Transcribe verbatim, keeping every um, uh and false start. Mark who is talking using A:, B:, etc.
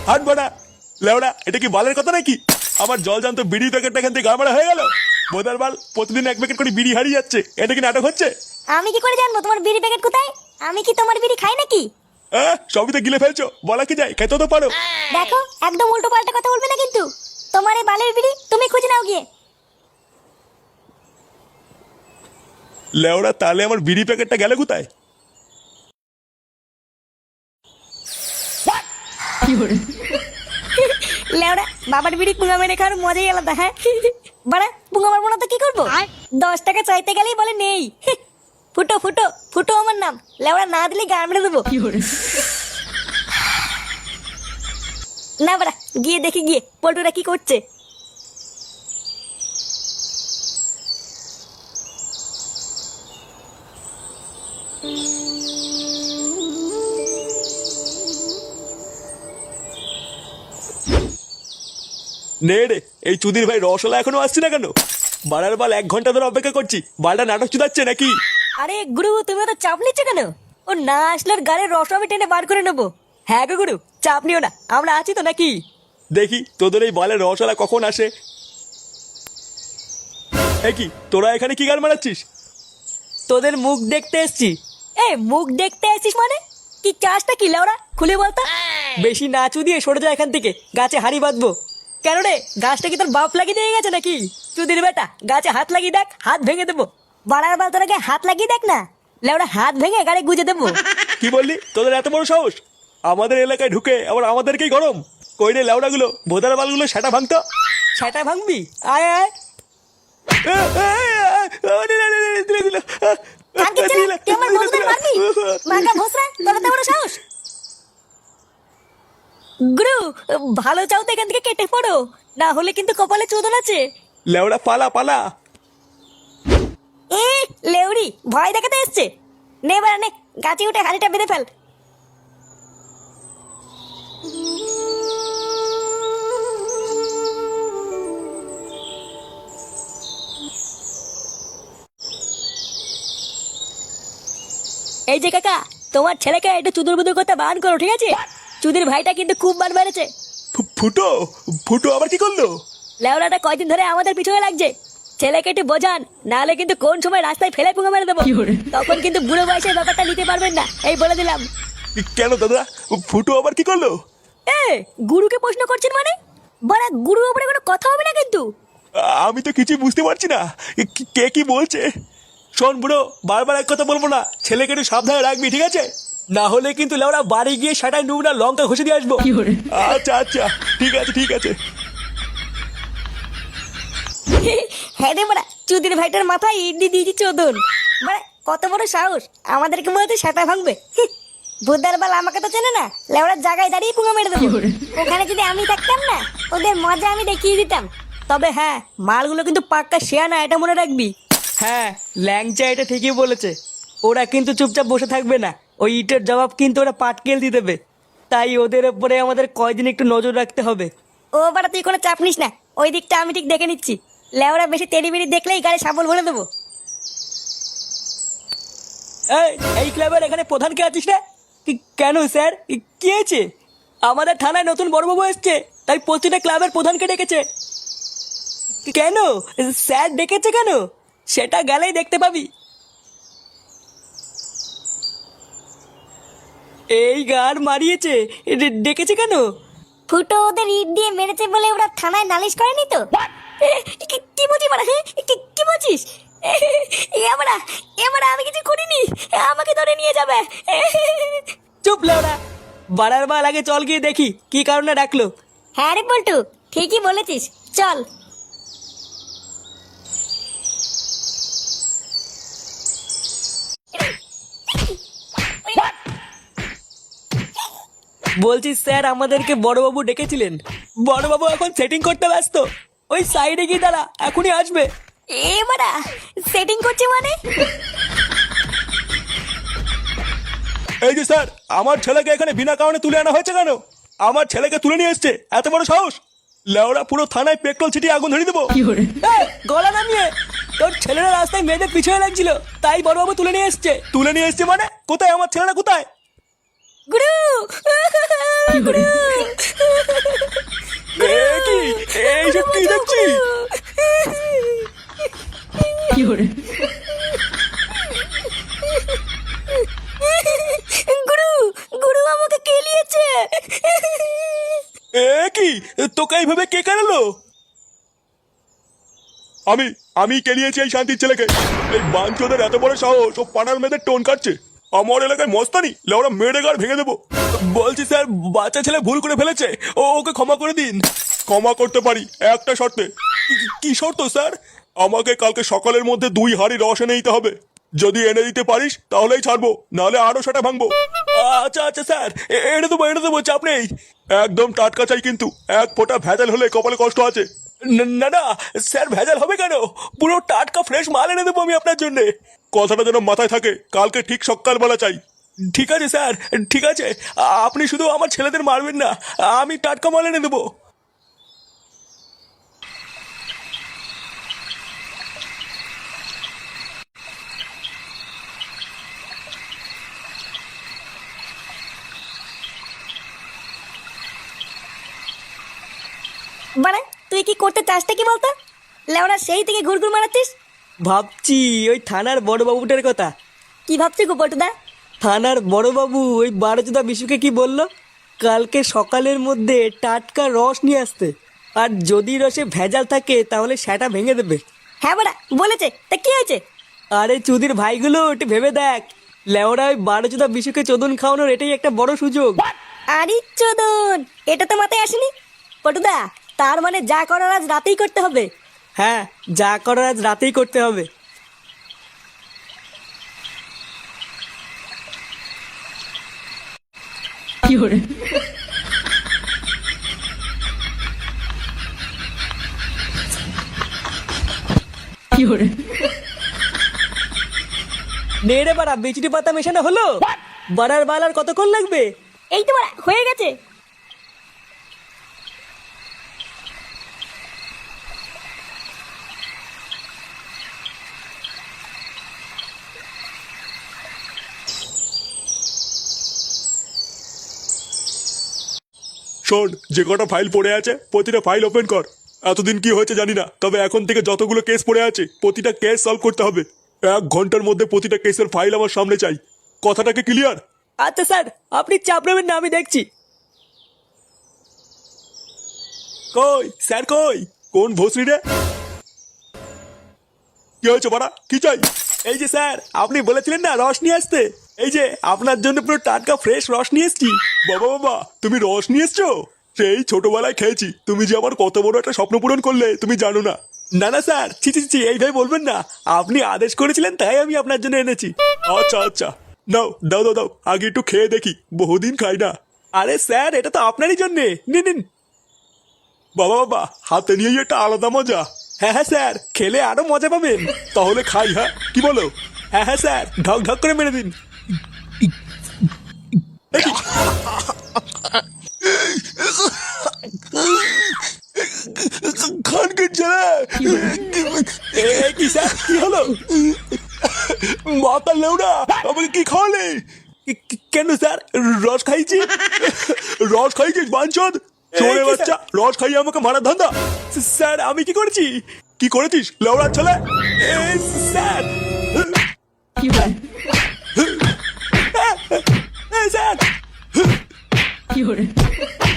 A: হাট বাড়া লেওড়া, এটা কি বালের কথা নাকি? আমার জল জানতো বিড়ি প্যাকেটটা এখান থেকে গাড়মারা হয়ে গেল। বোধার বাল প্রতিদিন এক প্যাকেট করে বিড়ি হারিয়ে যাচ্ছে, এটা কি নাটক হচ্ছে?
B: আমি কি করে জানবো তোমার বিড়ি প্যাকেট কোথায়? আমি কি তোমার বিড়ি খাই নাকি?
A: হ্যাঁ, সবই তো গিলে ফেলছো, বলা কি যায়, খেতে তো পারো।
B: দেখো একদম উল্টো পাল্টা কথা বলবে না কিন্তু। তোমার এই বালের বিড়ি তুমি খুঁজে নাও গিয়ে।
A: লেওড়া, তাহলে আমার বিড়ি প্যাকেটটা গেলে কোথায়?
B: লেওড়া, বাবার বিড়ি পুঙ্গা মেরে খাওয়ার মজাই আলাদা। হ্যাঁ বাড়া, পুঙ্গা মারবো না তো কি করবো? দশ টাকা চাইতে গেলেই বলে নেই। ফুটো ফুটো ফুটো আমার নাম। লেওড়া, না দিলে গান মেরে দেবো। না বাড়া, গিয়ে দেখি গিয়ে পল্টুরা কি করছে।
A: নে রে, এই চুদির ভাই রসলা এখনো আসছে না কেন? বাড়ার বাল এক ঘন্টা ধরে অপেক্ষা করছি, বালটা নাটক চুদাচ্ছে নাকি?
B: আরে গুরু, তুমি তো চাপ নিচ্ছ কেন? ও না আসলে ওর গাড়ির রস আমি টেনে বার করে নেবো। হ্যাঁ গো গুরু, চাপ নিও না, আমরা আছি তো নাকি?
A: দেখি তোদের এই বালের রসলা কখন আসে। এ কি, তোরা এখানে কি গান মারাচ্ছিস?
C: তোদের মুখ দেখতে এসছি।
B: এ মুখ দেখতে আসিস মানে? কি চাষটা কি লেওড়া, খুলে বলতো।
C: বেশি নাচু দিয়ে সরে যা এখান থেকে, গাছে হাড়ি বাঁধবো।
B: কেন রে, গাছটা কি তোর বাপ লাগিয়ে দিয়ে গেছে নাকি? চুদির বেটা, গাছে হাত লাগিয়ে দেখ, হাত ভেঙে দেবো। বাড়ার বার তোরাকে হাত লাগিয়ে দেখ না, লেওড়া হাত ভেঙে গাড়ি গুজে দেবো।
A: কি বললি, তোদের এত বড় সাহস? আমাদের এলাকায় ঢুকে আবার আমাদেরকেই গরম। কই রে লেওড়া গুলো, বোধার বালগুলো সেটা ভাঙতো।
C: সেটা ভাঙবি? আয় আয়।
B: কানকে ছেলে, তুই আমার বন্ধুদের মারবি? মাকা ভোসরা, তোর এত বড় সাহস? গুরু, ভালো চাও তো এখান থেকে কেটে পড়ো, না হলে কিন্তু কপালে চোদন আছে।
A: লেওড়া পালা পালা।
B: এ লেউড়ি, ভয় দেখাতে এসছে। নে বাড়া নে, গাছে উঠে হাড়িটা বেঁধে ফেল। এই যে কাকা, তোমার ছেলেকে একটু চুদুর বুদুর করতে বারণ করো, ঠিক আছে? চুদির ভাইটা কিন্তু খুব বার বেড়েছে।
A: ফু- ফুটো ফুটো আবার কি করলো?
B: লেওড়াটা কয়দিন ধরে আমাদের পিছনে লাগছে। ছেলেকে একটু বোঝান, নাহলে কিন্তু কোন সময় রাস্তায় ফেলে পুঙ্গা মেরে দেবো। তখন কিন্তু বুড়ো বয়সের ব্যাপারটা নিতে পারবেন না, এই বলে দিলাম।
A: কেন দাদা, ফুটো আবার কি করলো?
B: এ গুরুকে প্রশ্ন করছেন মানে? বড়া, গুরুর উপরে কোনো কথা হবে না কিন্তু।
A: আমি তো কিছু বুঝতে পারছি না, কি- কে কি বলছে। শোন বুড়ো, বারবার এক কথা বলবো না, ছেলেকে একটু সাবধানে রাখবি, ঠিক আছে?
C: না হলে কিন্তু লেওড়া বাড়ি গিয়ে সেটাই নুব না লঙ্কা ঘষে দিয়ে আসবো।
A: আচ্ছা আচ্ছা, ঠিক আছে ঠিক আছে।
B: হ্যাঁ রে বড়া, চুদির ভাইটার মাথায় ইডলি দিয়েছি চোদন। বড়া, কত বড় সাহস, আমাদেরকে মনে হচ্ছে সেটা ভাঙবে। বুদ্ধার বাল আমাকে তো চেনে না, লেওড়ার জায়গায় দাঁড়িয়ে পুঙ্গা মেরে দেবো। ওখানে যদি আমি থাকতাম না, ওদের মজা আমি দেখিয়ে দিতাম। তবে হ্যাঁ, মালগুলো কিন্তু পাক্কা শেয়া না, এটা মনে রাখবি।
C: হ্যাঁ, ল্যাংচা এটা ঠিকই বলেছে। ওরা কিন্তু চুপচাপ বসে থাকবে না, ওই ইটের জবাব কিন্তু ওরা পাটকেল দিয়ে দেবে। তাই ওদের উপরে আমাদের কয়দিন একটু নজর রাখতে হবে।
B: ও বাড়া, তুই কোনো চাপ নিস না, ওই দিকটা আমি ঠিক দেখে নিচ্ছি। লেওড়া বেশি তেড়ি বেড়ি দেখলেই গাড়ি সাবল ভরে দেবো।
C: এই এই ক্লাবের এখানে প্রধান কে আছিস রে? কি- কেন স্যার, কি- কি হয়েছে? আমাদের থানায় নতুন বড়বাবু এসছে, তাই প্রতিটা ক্লাবের প্রধানকে ডেকেছে। কেন স্যার ডেকেছে কেন? সেটা গেলেই দেখতে পাবি। এই গান মারিয়েছে, ডে- ডেকেছে কেন?
B: ফুটো ওদের ইট দিয়ে মেরেছে বলে ওরা থানায় নালিশ করেনি তো? এ, কি- কি বলছিস বাড়া? হ্যাঁ, কি- কি বলছিস? এবারা এবারা আমি কিছু করিনি, আমাকে ধরে নিয়ে যাবে।
C: চুপ লেওড়া, বাড়ার বাল আগে চল গিয়ে দেখি কি কারণে ডাকলো।
B: হ্যাঁ রে পল্টু, ঠিকই বলেছিস, চল।
C: বলছি স্যার, আমাদেরকে বড়বাবু ডেকেছিলেন। বড়বাবু এখন সেটিং করতে ব্যস্ত, ওই সাইডে গিয়ে দাঁড়া, এখনই আসবে।
B: এবারা সেটিং করছে মানে?
A: এই যে স্যার, আমার ছেলেকে এখানে বিনা কারণে তুলে আনা হয়েছে কেন? আমার ছেলেকে তুলে নিয়ে এসছে, এত বড় সাহস? লেওড়া, পুরো থানায় পেট্রোল ছিটিয়ে আগুন ধরিয়ে দেবো।
C: এই, গলা নামিয়ে। তোর ছেলেরা রাস্তায় মেয়েদের পিছনে লাগছিল, তাই বড়বাবু তুলে নিয়ে এসছে।
A: তুলে নিয়ে এসছে মানে? কোথায় আমার ছেলেটা, কোথায়?
B: গুরু, গুরু,
A: এইসব কি দেখছি?
B: গুরু গুরু আমাকে কেলিয়েছে।
A: এ কি, তোকে এইভাবে কে কেনালো? আমি আমি কেলিয়েছি এই শান্তির ছেলেকে। এই বাঞ্চোদের এত বড় সাহস, ও পানার মেয়েদের টোন কাটছে। আমার এলাকায় মস্তানি, লেওরা মেরে গাড় ভেঙে দেবো। বলছি স্যার, বাচ্চা ছেলে ভুল করে ফেলেছে, ও ওকে ক্ষমা করে দিন। ক্ষমা করতে পারি একটা শর্তে। কি- কি শর্ত স্যার? আমাকে কালকে সকালের মধ্যে দুই হাঁড়ি রস এনে দিতে হবে। যদি এনে দিতে পারিস তাহলেই ছাড়বো, নাহলে আরো সেটা ভাঙবো। আচ্ছা আচ্ছা স্যার, এ- এনে দেবো এনে দেবো, চাপ নেই। একদম টাটকা চাই কিন্তু, এক ফোঁটা ভেজাল হলে কপালে কষ্ট আছে। ন- না না স্যার, ভেজাল হবে কেন? পুরো টাটকা ফ্রেশ মাল এনে দেবো আমি আপনার জন্য। কথাটা যেন মাথায় থাকে, কালকে ঠিক সকালবেলা চাই। ঠিক আছে স্যার, ঠিক আছে। আ- আপনি শুধু আমার ছেলেদের মারবেন না, আমি টাটকা মাল এনে দেবো।
B: মানে তুই কি করতে চাসটা কি বলতো? লেওরা সেই থেকে ঘুরঘুর মারাচ্ছিস।
C: ভাবছি ওই থানার বড় বাবুটার কথা।
B: কি ভাবছি গো পটুদা?
C: থানার বড়বাবু ওই বারোচোদা বিশুকে কি বললো, কালকে সকালের মধ্যে টাটকা রস নিয়ে আসতে, আর যদি রসে ভেজাল থাকে তাহলে সেটা ভেঙে দেবে।
B: হ্যাঁ বাড়া বলেছে, তা কি হয়েছে?
C: আরে চুদির ভাইগুলো একটু ভেবে দেখ, লেওরা ওই বারোচোদা বিশুকে চোদন খাওয়ানোর এটাই একটা বড় সুযোগ।
B: আরে চোদন, এটা তো মাথায় আসেনি। পটুদা, তার মানে যা করার আজ রাতেই করতে হবে।
C: হ্যাঁ, যা করার আজ রাতেই করতে হবে। নে রে বাড়া, বিচুটি পাতা মেশানো হলো। বাড়ার বালার কতক্ষণ লাগবে?
B: এই তো বাড়া হয়ে গেছে।
A: শোন, যে কটা ফাইল পড়ে আছে প্রতিটা ফাইল ওপেন কর। এতদিন কি হয়েছে জানি না, তবে এখন থেকে যতগুলো কেস পড়ে আছে প্রতিটা কেস সলভ করতে হবে। এক ঘন্টার মধ্যে প্রতিটা কেসের ফাইল আমার সামনে চাই। কথাটাকে ক্লিয়ার?
C: আচ্ছা স্যার, আপনি চাপ নেবেন না, আমি দেখছি।
A: কই স্যার, কই কোন ভোসরি রে? কি হয়েছে বাড়া, কি চাই? এই যে স্যার, আপনি বলেছিলেন না রস নিয়ে আসতে, এই যে আপনার জন্য পুরো টাটকা ফ্রেশ রস নিয়ে এসছি। বাবা বাবা, তুমি রস নিয়ে এসছো? সেই ছোটবেলায় খেয়েছি, তুমি যে আমার কত বড় একটা স্বপ্ন পূরণ করলে তুমি জানো না। না না স্যার, ছি ছি ছি, এইভাবে বলবেন না। আপনি আদেশ করেছিলেন তাই আমি আপনার জন্য এনেছি। আচ্ছা আচ্ছা, নাও দাও দাও দাও, আগে একটু খেয়ে দেখি, বহুদিন খাই না। আরে স্যার, এটা তো আপনারই জন্যে, নিন নিন। বাবা বাবা, হাতে নিয়েই একটা আলাদা মজা। হ্যাঁ হ্যাঁ স্যার, খেলে আরো মজা পাবেন। তাহলে খাই, হ্যাঁ কি বলো? হ্যাঁ হ্যাঁ স্যার, ঢক ঢক করে মেরে দিন। খানকে ছেলে, এ কি স্যার, কি হলো? মাথা লেউড়া, আমাকে কি খাওয়ালে? কি- কি- কেন স্যার, রস খাইছি? রস খাইছিস বাঞ্চদ? চোরে বাচ্চা, রস খাইয়ে আমাকে মারার ধান্দা? স্যার আমি কি করেছি? কি করেছিস লেউড়ার ছেলে? এ, স্যার এ, স্যার